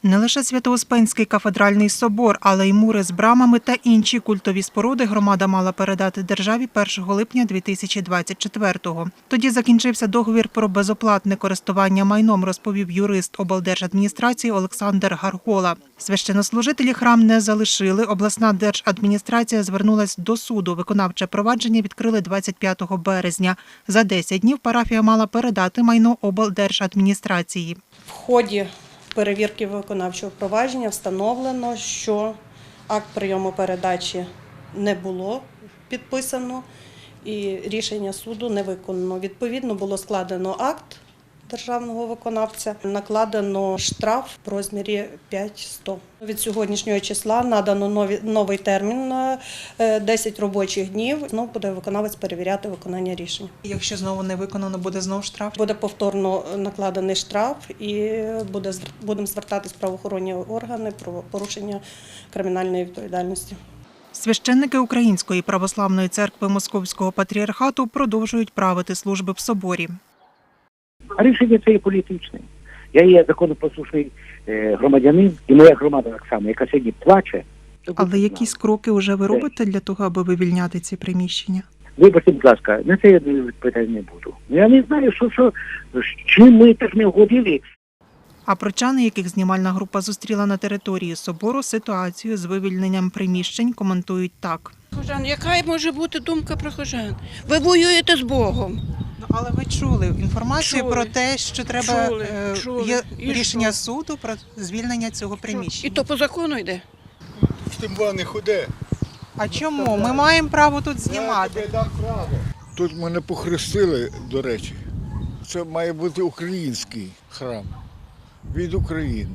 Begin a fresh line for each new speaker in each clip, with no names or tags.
Не лише Свято-Успенський кафедральний собор, але й мури з брамами та інші культові споруди громада мала передати державі 1 липня 2024-го. Тоді закінчився договір про безоплатне користування майном, розповів юрист облдержадміністрації Олександр Гаргола. Священнослужителі храм не залишили. Обласна держадміністрація звернулась до суду. Виконавче провадження відкрили 25 березня. За 10 днів парафія мала передати майно облдержадміністрації.
В ході перевірки виконавчого провадження встановлено, що акт прийому передачі не було підписано і рішення суду не виконано. Відповідно, було складено акт державного виконавця, накладено штраф в розмірі 5100. Від сьогоднішнього числа надано новий термін на 10 робочих днів. Знову буде виконавець перевіряти виконання рішення.
Якщо знову не виконано, буде знову штраф?
Буде повторно накладений штраф і будемо звертатись в правоохоронні органи про порушення кримінальної відповідальності.
Священники Української православної церкви Московського патріархату продовжують правити служби в соборі.
А рішення це є політичне. Я є законопослушний громадянин, і моя громада так само, яка сьогодні плаче.
Але якісь кроки вже ви робите для того, аби вивільняти ці приміщення?
Вибачте, будь ласка, на це я відповідати не буду. Я не знаю, чим ми теж не вгодили.
А прочани, яких знімальна група зустріла на території собору, ситуацію з вивільненням приміщень коментують так.
Прихожан, яка може бути думка прихожан? Ви воюєте з Богом.
Але ви чули інформацію
Чули.
про те, що треба
Чули.
є
І
рішення
що?
суду про звільнення цього
І
приміщення.
то по закону йде.
З тим не ходи.
А чому? Ми маємо право тут знімати.
Тут мене похрестили, до речі. Це має бути український храм від України.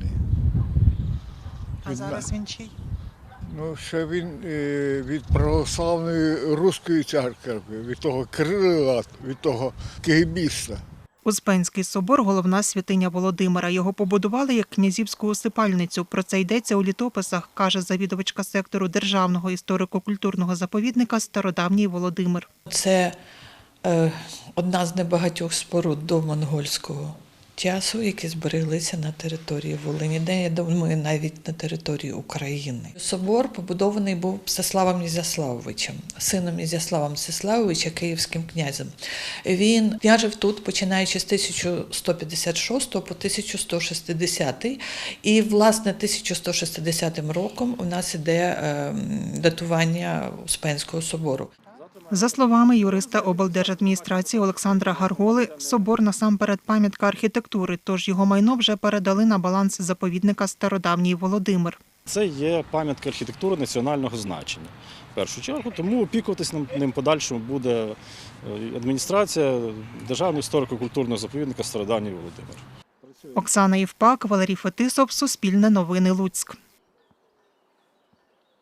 А зараз він чий?
Ну, ще він від православної руської церкви, від того Кирила, від того кегебіста.
Успенський собор – головна святиня Володимира. Його побудували як князівську усипальницю. Про це йдеться у літописах, каже завідувачка сектору Державного історико-культурного заповідника «Стародавній Володимир».
Це одна з небагатьох споруд до монгольського часу, які збереглися на території Волині, де, я думаю, навіть на території України. Собор побудований був Мстиславом Ізяславовичем, сином Ізяслава Мстиславовича, київським князем. Він княжив тут, починаючи з 1156 по 1160, і, власне, 1160 роком у нас іде датування Успенського собору.
За словами юриста облдержадміністрації Олександра Гарголи, собор насамперед пам'ятка архітектури, тож його майно вже передали на баланс заповідника «Стародавній Володимир».
Це є пам'ятка архітектури національного значення, в першу чергу, тому опікуватись ним подальшому буде адміністрація Державного історико-культурного заповідника «Стародавній Володимир».
Оксана Євпак, Валерій Фетисов, Суспільне новини, Луцьк.